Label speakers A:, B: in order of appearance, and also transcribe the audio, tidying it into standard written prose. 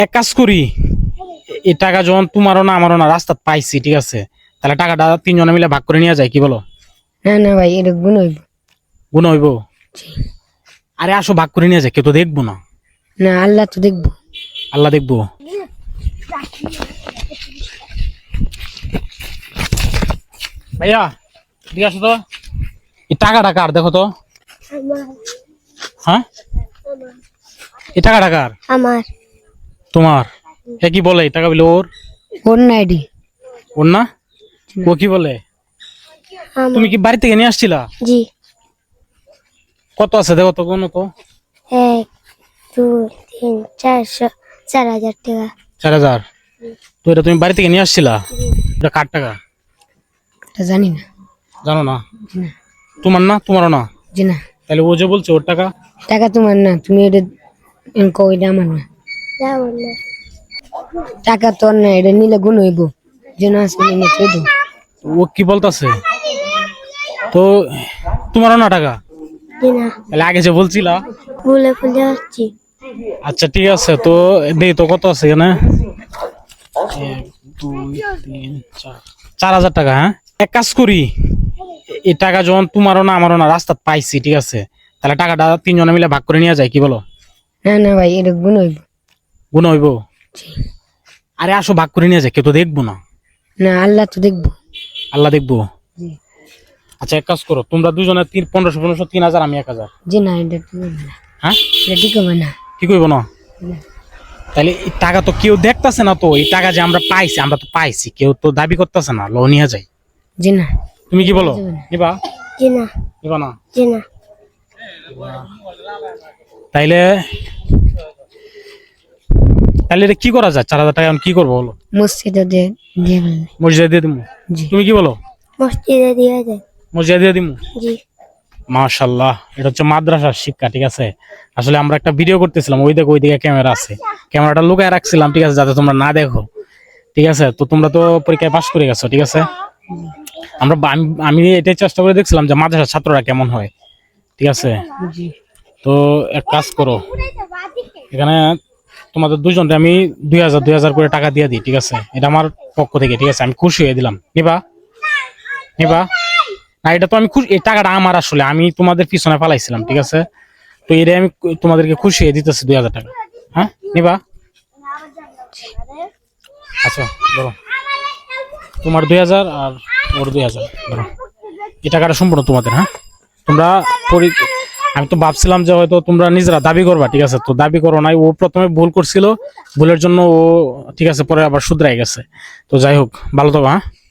A: এক কাজ করি, এই টাকা যখন তোমারও না আমারও না রাস্তা পাইছি, ঠিক আছে, তাহলে টাকাটা তিনজনে মিলে ভাগ করে নিয়ে যায়, কি বলো?
B: না না ভাই, এটা গুণ হইব।
A: গুণ হইব? আরে আসো ভাগ করে নিয়ে যায়, কেউ তো দেখবো না।
B: না, আল্লাহ তো দেখবো।
A: আল্লাহ দেখবো? ভাইয়া ঠিক আছে তো, এই টাকাটা কার দেখো তো। হ্যাঁ, এই টাকাটা কার?
B: আমার।
A: তোমার? এ কি বলে এই টাকা বলে ওর?
B: ওর না এডি।
A: ওর না? ও কি বলে? তুমি কি বাড়ি থেকে নিয়ে আসছিলা?
B: জি।
A: কত আছে দেখো তো, কোনো তো।
B: 1 2 3 400 4000 টাকা।
A: 4000? তো এটা তুমি বাড়ি থেকে নিয়ে আসছিলা? এটা কার টাকা?
B: এটা জানি না।
A: জানো না?
B: জি না।
A: তোমার না? তোমারও না?
B: জি না।
A: তাহলে ও যে বলছে ওর টাকা।
B: টাকা তোমার না, তুমি এটা কও এটা আমার না। টাকা তোর না, এটা নিলে গুণ হইব। যেন আছে নিলে চৈদ।
A: ও কি বলতাছে? তো তোমারও না টাকা?
B: জি না।
A: তাহলে আগে যে বলছিলা।
B: ভুলে ভুলে আসছি।
A: আচ্ছা ঠিক আছে, তো দেই তো কত আছে এখানে। 1 2 3 4 4000 টাকা। হ্যাঁ, এক কাজ করি, এই টাকা যখন তোমারও না আমারও না রাস্তা পাইছি, ঠিক আছে, তাহলে টাকাটা তিনজনে মিলে ভাগ করে নিয়ে যায়, কি বলো?
B: না না ভাই, এটা গুণ হইব।
A: গুণ হইব? আরে আসো ভাগ করে নিয়ে যায়, কেউ তো দেখবো না।
B: না, আল্লাহ তো দেখবো।
A: আল্লাহ দেখবো?
B: জি।
A: আচ্ছা এক কাজ করো, তোমরা দুজনে 1500 3000, আমি 1000।
B: জি না, এটা ঠিক হবে না।
A: হ্যাঁ,
B: এটা ঠিক হবে না।
A: কি করবো না? তাহলে এই টাকা তো কেউ দেখতেছে না, তো এই টাকা যে আমরা পাইছি, আমরা তো পাইছি, কেউ তো দাবি করতেছে না, লো নিয়ে যায়।
B: জি না।
A: তুমি কি বলো, নিবা?
B: জি না।
A: নিবা না?
B: জি না।
A: তাইলে তাহলে এটা কি করা যায়? 4000 টাকা এখন কি করবো বলো?
B: মসজিদে দিয়ে দিয়ে ফেলবে।
A: মসজিদে দিয়ে দিমু?
B: জি।
A: তুমি কি বলো?
B: মসজিদে দিয়ে যায়।
A: মসজিদে দিয়ে দিমু?
B: জি।
A: মাশাআল্লাহ, এটা হচ্ছে মাদ্রাসার শিক্ষা, ঠিক আছে। আসলে আমরা একটা ভিডিও করতেছিলাম, ওই দেখো ওইদিকে ক্যামেরা আছে, ক্যামেরাটা লুকায় রাখছিলাম, ঠিক আছে, যাতে তোমরা না দেখো, ঠিক আছে। তো তোমরা তো পরীক্ষায় পাশ করে গেছো, ঠিক আছে। আমি এটাই চেষ্টা করে দেখছিলাম যে মাদ্রাসার ছাত্ররা কেমন হয়, ঠিক আছে।
B: জি।
A: তো এক কাজ করো, এখানে তোমাদের দুজনকে আমি 2000 করে টাকা দিয়ে দিই, ঠিক আছে, এটা আমার পক্ষ থেকে, ঠিক আছে, আমি খুশি হয়ে দিলাম। নিবা? নিবা না? এটা তো আমি খুশি, এই টাকাটা আমার, আসলে আমি তোমাদের পিছনে পালাইছিলাম, ঠিক আছে। তো এটা আমি তোমাদেরকে খুশি হয়ে দিতেছি 2000 টাকা। হ্যাঁ, নিবা? আচ্ছা ধরো, তোমার 2000 আর ওর 2000 ধরো, এই টাকাটা সম্পূর্ণ তোমাদের। হ্যাঁ, তোমরা আমি তো ভাবছিলাম যে হয়তো তোমরা নিজেরা দাবি করবা, ঠিক আছে, তো দাবি করো নাই, ও প্রথমে ভুল করছিল, ভুলের জন্য ও, ঠিক আছে, পরে আবার শুধরাই গেছে। তো যাই হোক, ভালো থাকো। হ্যাঁ।